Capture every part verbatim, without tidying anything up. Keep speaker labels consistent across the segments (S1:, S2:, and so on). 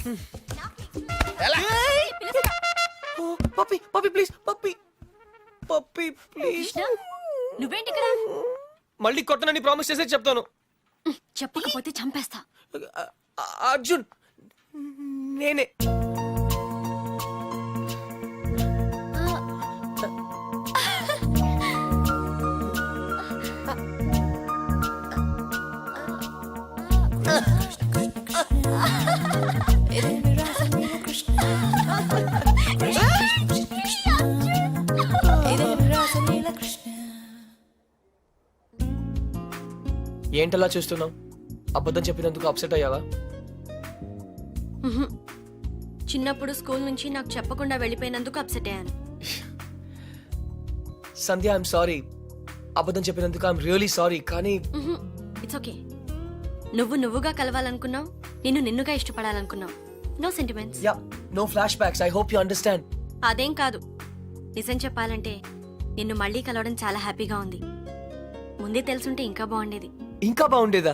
S1: Puppy puppy please puppy puppy please.
S2: నువ్వేంటి ఇక్కడ?
S1: మళ్ళీ కొట్టనని ప్రామిస్ చేసే చెప్తాను.
S2: చెప్పకపోతే చంపేస్తా.
S1: అర్జున్ నేనే. ఏంటలా చూస్తున్నావు? అబద్ధం చెప్పినందుకు అప్సెట్ అయ్యావా?
S2: చిన్నప్పుడు స్కూల్ నుంచి నాకు చెప్పకుండా వెళ్ళిపోయినందుకు అప్సెట్ అయ్యాను.
S1: Sandhya I'm sorry. అబద్ధం చెప్పినందుకు ఐఎమ్ రియలీ సారీ. కానీ
S2: ఇట్స్ ఓకే. నువ్వు నువ్వుగా కలవాలనుకున్నావు, నిన్ను నిన్నుగా ఇష్టపడాలనుకున్నావు. No sentiments.
S1: Yeah no flashbacks. I hope you understand.
S2: అదేం కాదు. నిజం చెప్పాలంటే నిన్ను మళ్ళీ కలవడం చాలా హ్యాపీగా ఉంది. ముందే తెలుసుంటే ఇంకా బాగుండేది.
S1: ఇంకా బాగుండేదా?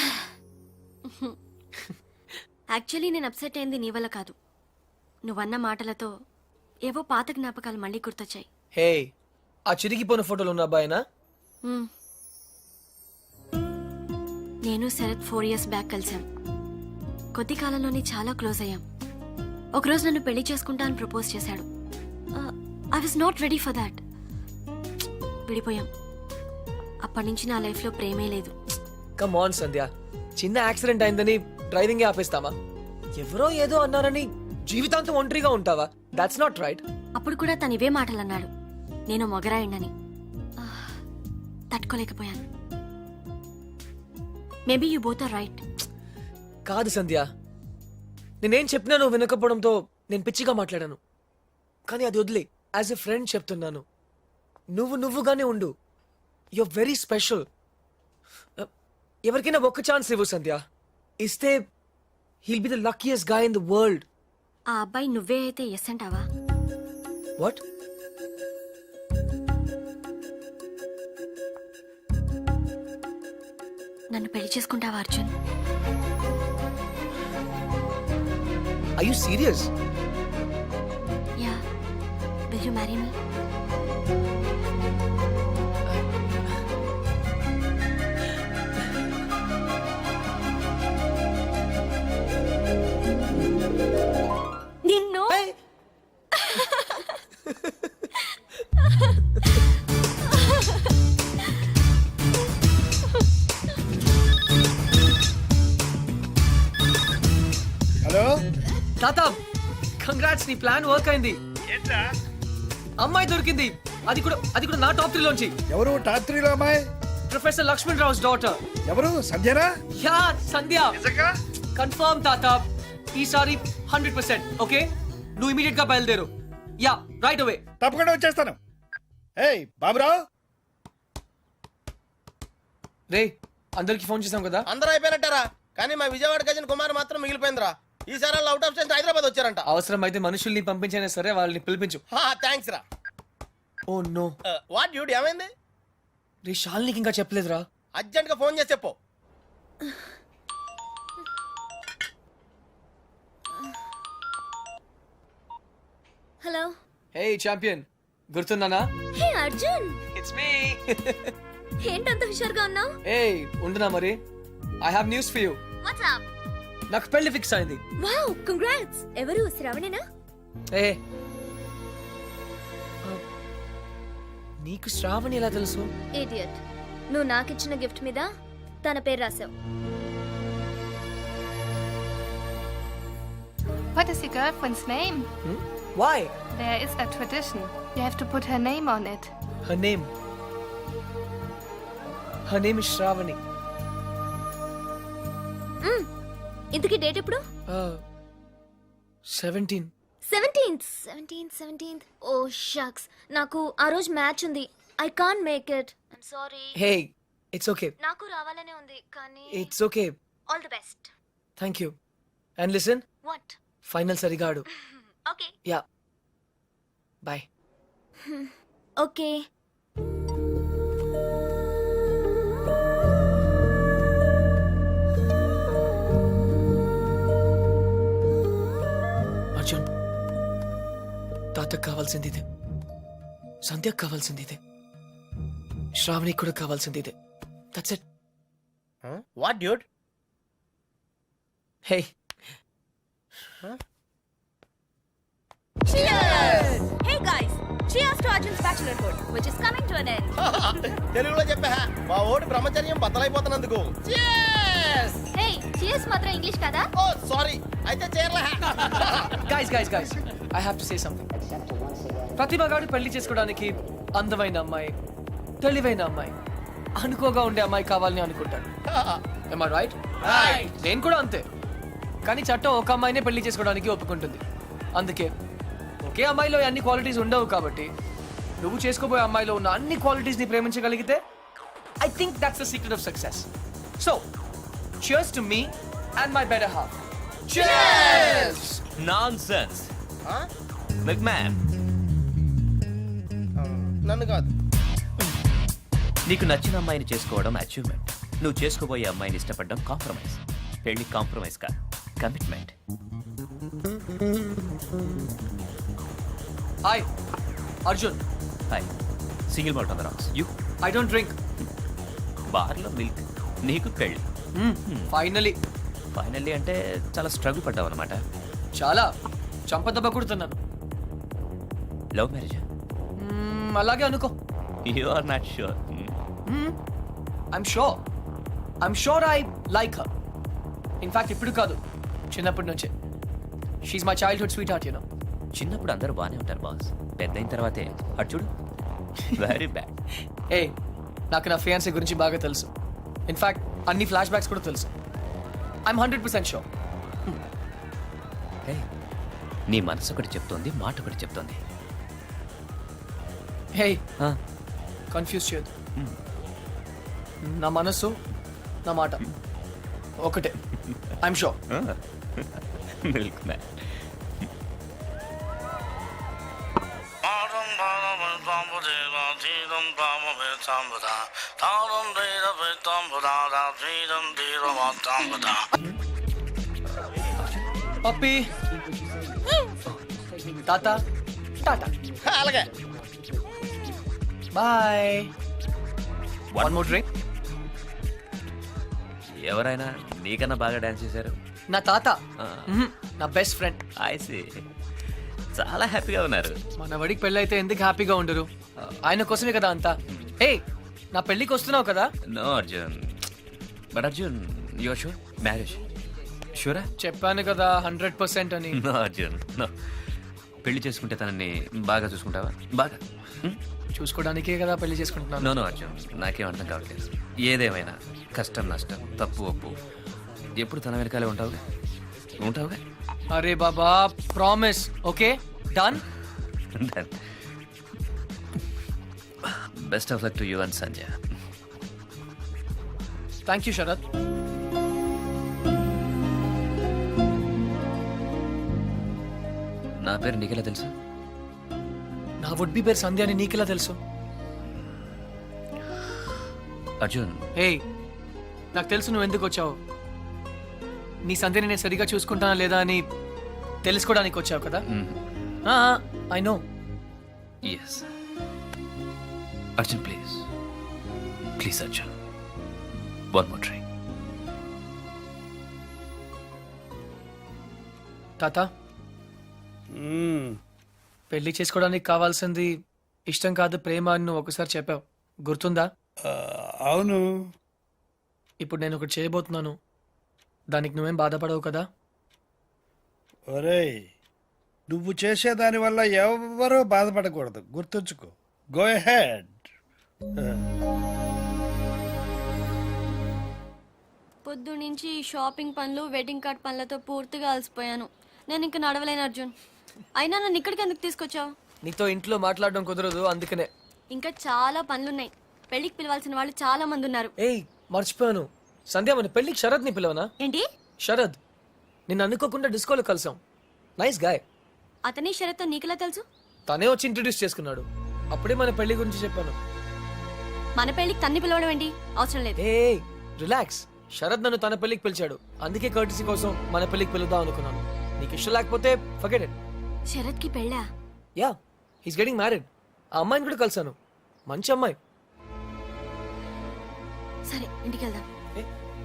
S2: యాక్చువల్లీ నేను అప్సెట్ అయింది నీ వల్ల కాదు. నువ్వన్న మాటలతో ఏవో పాత జ్ఞాపకాలు మళ్ళీ గుర్తొచ్చాయి.
S1: హే, ఆ చిరిగిపోయిన ఫోటోలు ఉన్న అబ్బాయినా?
S2: నేను శరత్ ఫోర్ ఇయర్స్ బ్యాక్ కలిసాం. కొద్ది కాలంలోనే చాలా క్లోజ్ అయ్యాం. ఒకరోజు నన్ను పెళ్లి చేసుకుంటా అని ప్రపోజ్ చేశాడు. I was not ready for that. విడిపోయాం. అప్పటి నుంచి నా లైఫ్ లో ప్రేమే లేదు.
S1: కమ్ ఆన్ సంధ్య, చిన్న యాక్సిడెంట్ అయిందని డ్రైవింగ్ ఆపేస్తామా? ఎవరో ఏదో అన్నారని జీవితాంతం ఒంటరిగా ఉంటావా? That's not right.
S2: అప్పుడు కూడా తను ఇవే మాటలు అన్నాడు. నేను మొగరాయండని తట్టుకోలేకపోయాను. Maybe you both are right.
S1: కాదు సంధ్య, నేనేం చెప్పినా నువ్వు వినకపోవడంతో నేను పిచ్చిగా మాట్లాడాను. కానీ అది వదిలే. యాజ్ ఎ ఫ్రెండ్ చెప్తున్నాను, నువ్వు నువ్వుగానే ఉండు. You are very special. ఎవరికైనా ఒక్క ఛాన్స్ ఇవ్వు సంధ్య. ఇస్తే he'll be the luckiest guy in the world.
S2: ఆ అబ్బాయి నువ్వే అయితే ఎస్ అంటావా?
S1: వాట్?
S2: నన్ను పెళ్లి చేసుకుంటావా Arjun?
S1: Are you serious?
S2: Yeah. Will you marry me? నిన్ను
S3: హలో
S1: తాత, కంగ్రాట్స్, నీ ప్లాన్ వర్క్ అయింది.
S3: ఏంట్రా?
S1: అమ్మాయి దొరికింది. అది కూడా అది కూడా నా టాప్ త్రీ లోంచి.
S3: ఎవరు టాప్ త్రీలో అమ్మాయి?
S1: Professor Laxman Rao's daughter.
S3: ఎవరు? సంధ్యనా?
S1: యా సంధ్య.
S3: నిజంగా?
S1: కన్ఫర్మ్ తాత. ఈసారి హండ్రెడ్ పర్సెంట్ ఓకే. నువ్వు ఇమీడియట్ గా బయలుదేరు. Yeah right away.
S3: తప్పకుండా వచ్చేస్తాను. ఏయ్ బాబురావు.
S1: రే, అందరికి ఫోన్ చేసాం కదా?
S4: అందరూ అయిపోయినట్టారా? కానీ మా విజయవాడ గజన్ కుమార్ మాత్రం మిగిలిపోయిందిరా. ఈసారి అవుట్ ఆఫ్ స్టేషన్ హైదరాబాద్ వచ్చారంట.
S1: అవసరం అయితే మనుషుల్ని పంపించైనా సరే వాళ్ళని పిలిపించు.
S4: థ్యాంక్స్ రా.
S1: Oh no.
S4: వాట్ డ్యూడ్ ఏమైంది?
S1: రే, షాల్నికి ఇంకా చెప్పలేదురా.
S4: అర్జెంట్ గా ఫోన్ చేసి చెప్పు.
S2: హలో.
S1: హే ఛాంపియన్, గుర్తున్నానా?
S2: హే అర్జున్.
S1: It's me.
S2: ఏంటంత హుషారుగా ఉన్నావు?
S1: ఏ ఉండునా మరి. I have news for you.
S2: What's up?
S1: నాకు పెళ్లి ఫిక్స్ అయింది.
S2: Wow, congrats. ఎవరు? శ్రావణేనా?
S1: ఏ నీకు శ్రావణి ఎలా తెలుసు?
S5: ఇడియట్. నువ్వు నాకిచ్చిన గిఫ్ట్ మీద తన పేరు రాసావు.
S6: What is your girlfriend's name?
S1: Hmm? Why?
S6: There is a tradition. You have to put her name on it.
S1: Her name. Her name is Shravani.
S5: ఇంతకీ డేట్ ఎప్పుడు?
S1: Uh, seventeen.
S5: Seventeenth seventeenth seventeenth oh shucks. నాకు ఆ రోజు match ఉంది. I can't make it. I'm sorry.
S1: Hey, it's okay.
S5: నాకు రావాలనే ఉంది కానీ
S1: It's okay.
S5: All the best.
S1: Thank you. And listen,
S5: what?
S1: final సరిగా ఆడు.
S5: Okay.
S1: Yeah. Bye.
S5: Okay.
S1: Arjun తాతకు కావాల్సింది ఇదే, సంధ్యకు కావాల్సింది ఇదే, శ్రావణికి కూడా కావాల్సింది ఇదే. That's it.
S4: What dude?
S1: Hey
S5: Hey guys, cheers to Arjun's bachelorhood, which is coming to an end.
S4: తెలుగులో చెప్పా మా ఓడి బ్రహ్మచర్యం బద్దలైపోతున్నందుకు.
S5: Hey, cheers మాత్రం ఇంగ్లీష్ కదా?
S4: ఓ సారీ, అయితే చేరలే.
S1: Guys guys guys I have to say something. Pratibha garu పెళ్లి చేసుకోవడానికి అందమైన అమ్మాయి, తెలివైన అమ్మాయి, అనుకోగా ఉండే అమ్మాయి కావాలని అనుకుంటాడు. Am I right? నేను కూడా అంతే. కానీ చట్టం ఒక అమ్మాయినే పెళ్లి చేసుకోవడానికి ఒప్పుకుంటుంది. అందుకే ఒకే అమ్మాయిలో అన్ని క్వాలిటీస్ ఉండవు కాబట్టి నువ్వు చేసుకోబోయే అమ్మాయిలో ఉన్న అన్ని క్వాలిటీస్ ని ప్రేమించగలిగితే I think that's the secret of success. So cheers to me and my better half. Cheers!
S7: Nonsense man.
S4: నన్ను కాదు.
S7: నీకు నచ్చిన అమ్మాయిని చేసుకోవడం అచీవ్మెంట్. నువ్వు చేసుకోబోయే అమ్మాయిని ఇష్టపడడం కాంప్రమైజ్. పెళ్లి కాంప్రమైజ్ కాదు, commitment.
S1: Hi Arjun.
S7: Hi. Single malt on the rocks. You
S1: I don't drink.
S7: బార్లో మిల్క్. నీకు పెళ్లి.
S1: ఫైనలీ.
S7: ఫైనల్లీ అంటే చాలా స్ట్రగుల్ పడ్డావు అనమాట.
S1: చాలా చంపదెబ్బ కొడుతున్నాను.
S7: Love marriage?
S1: మ్మ్, అలాగే అనుకో.
S7: You are not sure.
S1: I'm sure I'm sure I like her. In fact ఇప్పుడు కాదు, చిన్నప్పటి నుంచే. She my childhood sweetheart, you know.
S7: చిన్నప్పుడు అందరూ బాగానే ఉంటారు బాస్, పెద్ద అయిన తర్వాతే అటు చూడు వెరీ బ్యాడ్.
S1: ఏ నాకు నా ఫియాన్సీ గురించి బాగా తెలుసు. ఇన్ఫాక్ట్ అన్ని ఫ్లాష్ బ్యాక్స్ కూడా తెలుసు. I'm hundred percent sure.
S7: Hey, నీ మనసు ఒకటి చెప్తోంది, మాట ఒకటి చెప్తోంది.
S1: హే
S7: ఆ,
S1: కన్ఫ్యూజ్ చేయొద్దు. నా మనసు నా మాట ఒకటే. I'm sure.
S7: Milk man.
S1: పప్పి తాత టాటా
S4: అలాగే.
S1: బాయ్. One more drink.
S7: ఎవరైనా నీకన్నా బాగా డాన్స్ చేశారు.
S1: నా తాత
S7: ఆ.
S1: మ్మ్, నా బెస్ట్ ఫ్రెండ్.
S7: ఐసి చాలా హ్యాపీగా ఉన్నారు.
S1: మన వడికి పెళ్ళి అయితే ఎందుకు హ్యాపీగా ఉండరు? ఆయన కోసమే కదా అంతా. ఏ నా పెళ్ళికి వస్తున్నావు కదా?
S7: No Arjun, but Arjun your sure marriage షూరా?
S1: చెప్పాను కదా హండ్రెడ్ పర్సెంట్ అని.
S7: No Arjun no. పెళ్లి చేసుకుంటే తనని బాగా చూసుకుంటావా? బాగా
S1: చూసుకోవడానికే కదా పెళ్లి చేసుకుంటున్నాను.
S7: నో నో అర్జున్, నాకేం అర్థం కావట్లేదు. ఏదేమైనా కష్టం నష్టం తప్పు ఒప్పు ఎప్పుడు తన వెనకాలే ఉంటావుగా ఉంటావుగా
S1: అరే బాబా promise. Okay done.
S7: Best of luck to you and Sanjay.
S1: Thank you Sharath.
S7: నా పేరు నీకెలా తెలుసు?
S1: నా వుడ్ బి పేరు సంధ్య అని నీకెలా తెలుసు?
S7: అర్జున్
S1: హే నాకు తెలుసు నువ్వు ఎందుకు వచ్చావు. నీ సంధ్యని నేను సరిగా చూసుకుంటానా లేదా అని తెలుసుకోవడానికి వచ్చావు కదా. I know.
S7: Yes Arjun please please Arjun one more drink.
S1: తాత పెళ్లి చేసుకోవడానికి కావాల్సింది ఇష్టం కాదు ప్రేమ అని నువ్వు ఒకసారి చెప్పావు, గుర్తుందా?
S3: అవును.
S1: ఇప్పుడు నేను ఒకటి చేయబోతున్నాను, దానికి నువ్వేం బాధపడవు కదా?
S3: ఒరేయ్, నువ్వు చేసేదాని వల్ల ఎవరూ బాధపడకూడదు, గుర్తుంచుకో. Go ahead.
S2: పొద్దు నుంచి షాపింగ్ పనులు వెడ్డింగ్ కార్డ్ పనులతో పూర్తిగా అలసిపోయాను. నేను ఇంక నడవలేను అర్జున్. అయినా నన్ను ఇక్కడికి ఎందుకు తీసుకొచ్చావు?
S1: నీతో ఇంట్లో మాట్లాడడం కుదరదు, అందుకనే.
S2: ఇంకా చాలా పనులున్నాయి. పెళ్లికి పిలవాల్సిన వాళ్ళు చాలా మంది ఉన్నారు.
S1: ఏయ్ మర్చిపోయాను, సంధ్య మన పెళ్లికి శరద్ ని పిలవనా?
S2: ఏంటి?
S1: శరద్ నిన్ను అనుకోకుండా డిస్కోలో కలిసాం. Nice guy.
S2: అతని షరత్ నీకెలా తెలుసు?
S1: తనే వచ్చి ఇంట్రడ్యూస్ చేసుకున్నాడు, అప్పుడే మన పెళ్లి గురించి చెప్పాను.
S2: మన పెళ్లికి తన్ని పిలవడం ఏంటి? అవసరం లేదు.
S1: ఏ రిలాక్స్, శరద్ నన్ను తన పెళ్లికి పిలిచాడు, అందుకే కర్టిసీ కోసం మన పెళ్లికి పిలుద్దాం అనుకున్నాను. నీకు ఇష్టం లేకపోతే ఫర్గెట్ ఇట్.
S2: శరత్కి పెళ్ళా?
S1: Yeah, he's getting married. ఆ అమ్మాయిని కూడా కలిసాను, మంచి అమ్మాయి.
S2: సరే ఇంటికి వెళ్దాం.
S1: ఏ?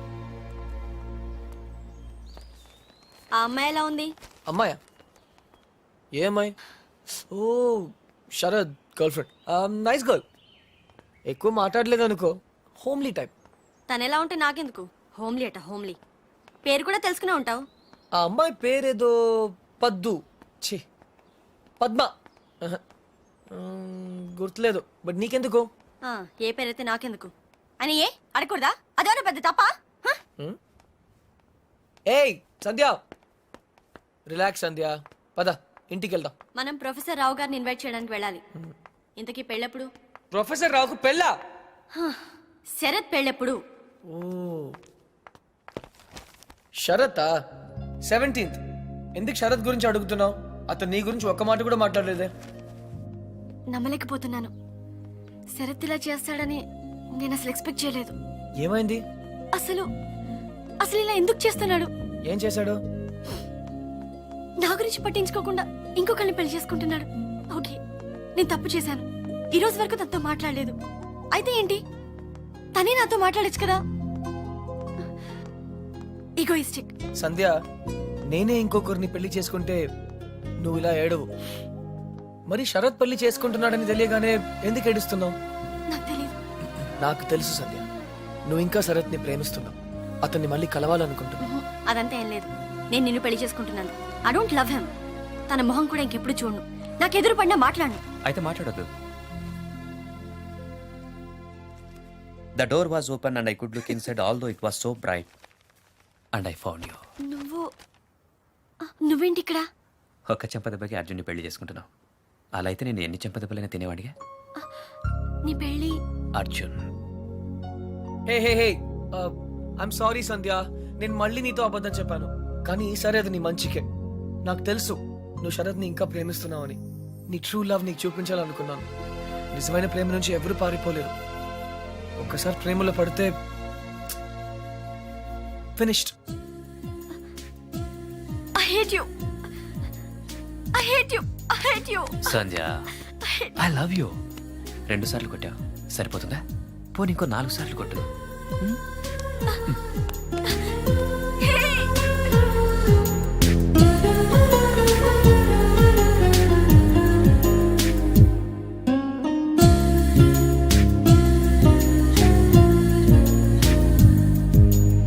S2: ఆ అమ్మాయి ఎలా ఉంది?
S1: అమ్మాయా? ఏ అమ్మాయి? Oh Sharad girlfriend. Nice girl. ఎక్కువ మాట్లాడలేదు అనుకో, హోమ్లీ టైప్.
S2: తను ఎలా ఉంటే నాకెందుకు? హోమ్లీ అట హోమ్లీ. పేరు కూడా తెలుసుకునే ఉంటావు.
S1: ఆ అమ్మాయి పేరేదో పద్దు, ఛీ పద్మ. ఆహా. మ్మ్, గుర్తులేదు, బట్ నీకెందుకు?
S2: ఆ, ఏ పేరైతే నాకెందుకు అని ఏ అడగకూడదా? అదేమన్నా పెద్ద తప్ప?
S1: ఏయ్ సంధ్య, రిలాక్స్ సంధ్య, పద ఇంటికి వెళ్దాం.
S2: మనం ప్రొఫెసర్ రావు గారిని ఇన్వైట్ చేయడానికి వెళ్ళాలి. ఇంతకీ పెళ్ళెప్పుడు?
S1: ప్రొఫెసర్ రావుకు పెళ్ళా?
S2: శరత్ పెళ్ళెప్పుడు?
S1: Oh Sharath seventeenth. ఎందుకు శరత్ గురించి అడుగుతున్నావు? అతను నీ గురించి ఒక్క మాట కూడా మాట్లాడలేదే.
S2: నమ్మలేకపోతున్నాను. శరత్ ఇలా చేస్తాడని నేను అసలు ఎక్స్పెక్ట్ చేయలేదు.
S1: ఏమైంది?
S2: అసలు అసలు ఇలా ఎందుకు చేస్తున్నాడు?
S1: ఏం చేశాడు?
S2: నా గురించి పట్టించుకోకుండా ఇంకొకరిని పెళ్లి చేసుకుంటున్నాడు. ఓకే, నేను తప్పు చేశాను. ఈ రోజు వరకు తనతో మాట్లాడలేదు. అయితే ఏంటి, తనే నాతో మాట్లాడచ్చు కదా. ఈగోయిస్టిక్.
S1: సంధ్య, నేనే ఇంకొకరిని పెళ్లి చేసుకుంటే నువ్వు ఇలా ఏడవు. మరి శరత్ పెళ్లి చేసుకుంటున్నాడని తెలియగానే ఎందుకు ఏడుస్తున్నావు?
S2: నాకు తెలియదు.
S1: నాకు తెలుసు సంధ్య, నువ్వు ఇంకా శరత్ని ప్రేమిస్తున్నావు. అతన్ని మళ్ళీ కలవాలనుకుంటున్నావు.
S2: ఉహు, అదంతా ఏం లేదు. నేను నిన్ను పెళ్లి చేసుకుంటున్నాను. I don't love him. తన మొహం కూడా ఇంకెప్పుడు చూడను. నాకు ఎదురు పడినా మాట్లాడను.
S7: అయితే మాట్లాడొద్దు. The door was open and I could look inside although it was so bright and I found you.
S2: నువ్వు ఆ, నువ్వేంటి ఇక్కడ?
S7: ఒక్క చెంపదెబ్బకి అర్జున్ని పెళ్లి చేసుకుంటున్నావు. అలా అయితే నేను ఎన్ని చెంపదెబ్బలైనా తినేవాడిగా.
S2: నీ పెళ్లి
S7: Arjun,
S1: hey hey hey I'm sorry Sandhya, నేను మళ్ళీ నీతో అబద్ధం చెప్పాను. కానీ ఈసారి అది నీ మంచికే. నాకు తెలుసు నువ్వు శరత్ని ఇంకా ప్రేమిస్తున్నావని. నీ ట్రూ లవ్ నీకు చూపించాలనుకున్నాను. నిజమైన ప్రేమ నుంచి ఎవరు పారిపోలేరు. ఒక్కసారి ప్రేమలో పడితే finished.
S2: I hate you. I hate you. I hate you.
S7: Sandhya, I love you. రెండు సార్లు కొట్టావు, సరిపోతుందా? పోనీ ఇంకో నాలుగు సార్లు కొట్టు.